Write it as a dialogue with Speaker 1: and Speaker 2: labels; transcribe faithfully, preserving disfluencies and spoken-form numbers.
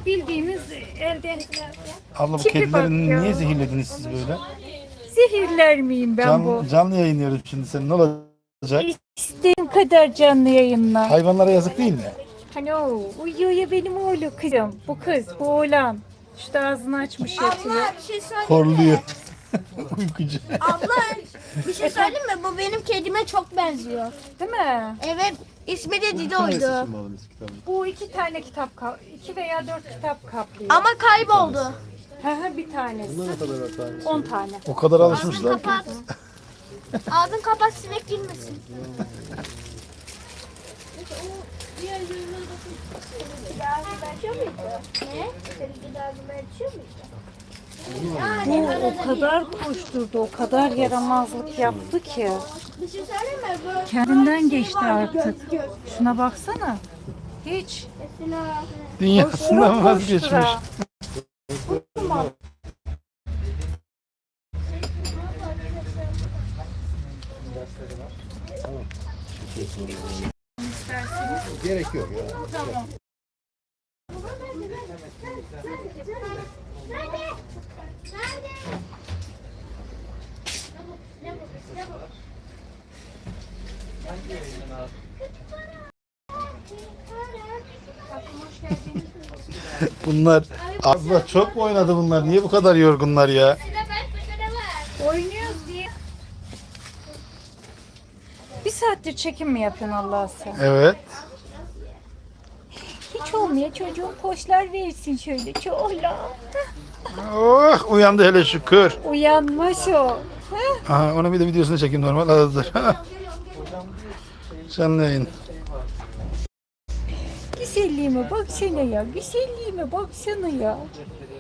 Speaker 1: bildiğimiz elden
Speaker 2: Abla bu
Speaker 1: Tipi
Speaker 2: kedileri
Speaker 1: bak ya.
Speaker 2: niye zehirlediniz siz böyle?
Speaker 1: zehirler miyim ben
Speaker 2: Can,
Speaker 1: bu?
Speaker 2: canlı yayınlıyoruz şimdi sen ne olacak?
Speaker 1: İstediğin kadar canlı yayınla.
Speaker 2: Hayvanlara yazık değil mi?
Speaker 1: Hani o uyuyor ya benim oğlu kızım. Bu kız, bu oğlan. İşte ağzını açmış yatıyor.
Speaker 3: Abla bir şey söyleyeyim
Speaker 2: Horluyor.
Speaker 3: mi?
Speaker 2: Uykucu.
Speaker 3: Abla bir şey söyleyeyim mi? Bu benim kedime çok benziyor.
Speaker 1: Değil mi?
Speaker 3: Evet, ismi de Dido'ydu.
Speaker 1: Bu iki tane kitap, ka- iki veya dört kitap kaplıyor.
Speaker 3: Ama kayboldu.
Speaker 1: Ha ha bir tanesi. On tane.
Speaker 2: O kadar
Speaker 3: Ağzını
Speaker 2: alışmışlar ki.
Speaker 3: kapat. Ağzını kapat, sinek girmesin.
Speaker 1: Bu o kadar koşturdu, o kadar yaramazlık yaptı ki.
Speaker 3: Bir şey söyleyeyim mi? Bu
Speaker 1: Kendinden geçti artık. Şuna baksana. Hiç.
Speaker 3: mesela
Speaker 2: Dünyasından vazgeçmiş.
Speaker 1: Koştura.
Speaker 4: Gerek yok ya.
Speaker 1: Tamam.
Speaker 2: Bunlar abla çok mu oynadı bunlar? Niye bu kadar yorgunlar ya?
Speaker 1: Oynuyoruz diye. Bir saattir çekim mi yapıyorsun Allah sen?
Speaker 2: Evet.
Speaker 1: Hiç olmuyor çocuğun poşlar versin şöyle. Çoğla.
Speaker 2: Oh uyandı hele şükür.
Speaker 1: Uyanmış o.
Speaker 2: Aha, onu bir de videosunu çekeyim normal aradır. Canlı yayın.
Speaker 1: Güzelliğime baksana ya. Güzelliğime baksana ya.